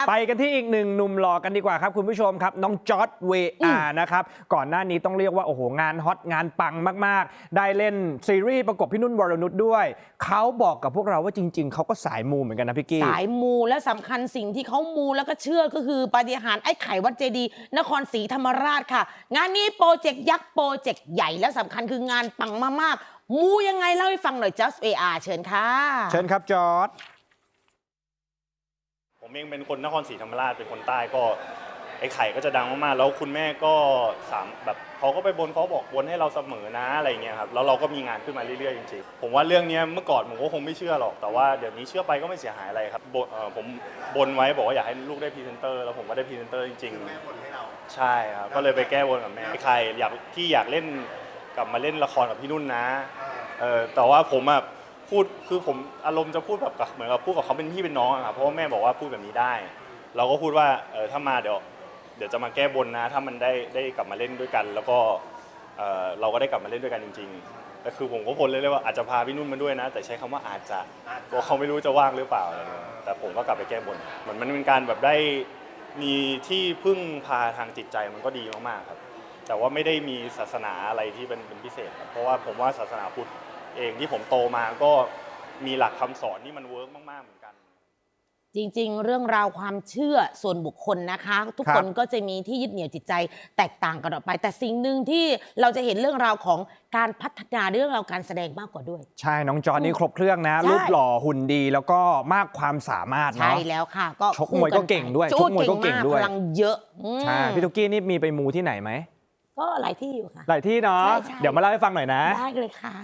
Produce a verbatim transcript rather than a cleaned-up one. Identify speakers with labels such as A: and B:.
A: ไปกันที่อีกหนึ่งหนุ่มหล่อกันดีกว่าครับคุณผู้ชมครับน้องจอร์จเวอาร์นะครับก่อนหน้านี้ต้องเรียกว่าโอ้โหงานฮอตงานปังมากๆได้เล่นซีรีส์ประกบพี่นุ่นวรนุชด้วยเขาบอกกับพวกเราว่าจริงๆเขาก็สายมูเหมือนกันนะพี่กี้
B: สายมูและสำคัญสิ่งที่เขามูแล้วก็เชื่อก็คือปาฏิหาริย์ไอ้ไข่วัดเจดีย์นครศรีธรรมราชค่ะงานนี้โปรเจกต์ยักษ์โปรเจกต์ใหญ่และสำคัญคืองานปังมากๆมูยังไงเล่าให้ฟังหน่อย Just เอ อาร์ เชิญค่ะ
A: เชิญครับจอร์จ
C: ผมเองเป็นคนนครศรีธรรมราชเป็นคนใต้ก็ไอ้ไข่ก็จะดังมากๆแล้วคุณแม่ก็สามแบบเขาก็ไปบนเขาบอกบนให้เราเสมอนะอะไรเงี้ยครับแล้วเราก็มีงานขึ้นมาเรื่อยๆจริงๆผมว่าเรื่องนี้เมื่อก่อนผมก็คงไม่เชื่อหรอกแต่ว่าเดี๋ยวนี้เชื่อไปก็ไม่เสียหายอะไรครับผมบนไว้บอกว่าอยากให้ลูกได้พรีเซนเตอร์แล้วผมก็ได้พรีเซนเตอร์จริงๆแม่บนให้เราใช่ครับก็เลยไปแก้บนกับแม่ไอ้ไข่อยากที่อยากเล่นกลับมาเล่นละครกับพี่นุ่นนะเออแต่ว่าผมอะพูดคือผมอารมณ์จะพูดแบบเหมือนกับพูดกับเขาเป็นพี่เป็นน้องครับเพราะว่าแม่บอกว่าพูดแบบนี้ได้เราก็พูดว่าเออถ้ามาเดี๋ยวเดี๋ยวจะมาแก้บนนะถ้ามันได้ได้กลับมาเล่นด้วยกันแล้วก็เออเราก็ได้กลับมาเล่นด้วยกันจริงๆแต่คือผมก็พลเลยเลยว่าอาจจะพาพี่นุ่นมาด้วยนะแต่ใช้คำว่าอาจจะเพราะเขาไม่รู้จะว่างหรือเปล่าอะไรเงี้ยแต่ผมก็กลับไปแก้บนเหมือนมันเป็นการแบบได้มีที่พึ่งพาทางจิตใจมันก็ดีมากๆครับแต่ว่าไม่ได้มีศาสนาอะไรที่เป็นเป็นพิเศษเพราะว่าผมว่าศาสนาพุทธเองที่ผมโตมาก็มีหลักคำสอนที่มันเวิร์กมากๆเหมือนกัน
B: จริงๆเรื่องราวความเชื่อส่วนบุคคลนะคะทุกคนก็จะมีที่ยึดเหนี่ยวจิตใจแตกต่างกันออกไปแต่สิ่งหนึ่งที่เราจะเห็นเรื่องราวของการพัฒนาเรื่องราวการแสดงมากกว่าด้วย
A: ใช่น้องจอร์จนี่ครบเครื่องนะรูปหล่อหุ่นดีแล้วก็มากความสามารถเนาะ
B: ใช่แล้วค่ะก็
A: ชกมวยก็เก่งด้วยชกมวยก็เก่งด้วย
B: พลังเยอะ
A: ใช่พี่ตุ๊กกี้นี่มีไปมูที่ไหนไหม
B: ก็หลายที่อยู่ค่ะ
A: หลายที่เนาะเดี๋ยวมาเล่าให้ฟังหน่อยนะ
B: ได้เลยค่ะ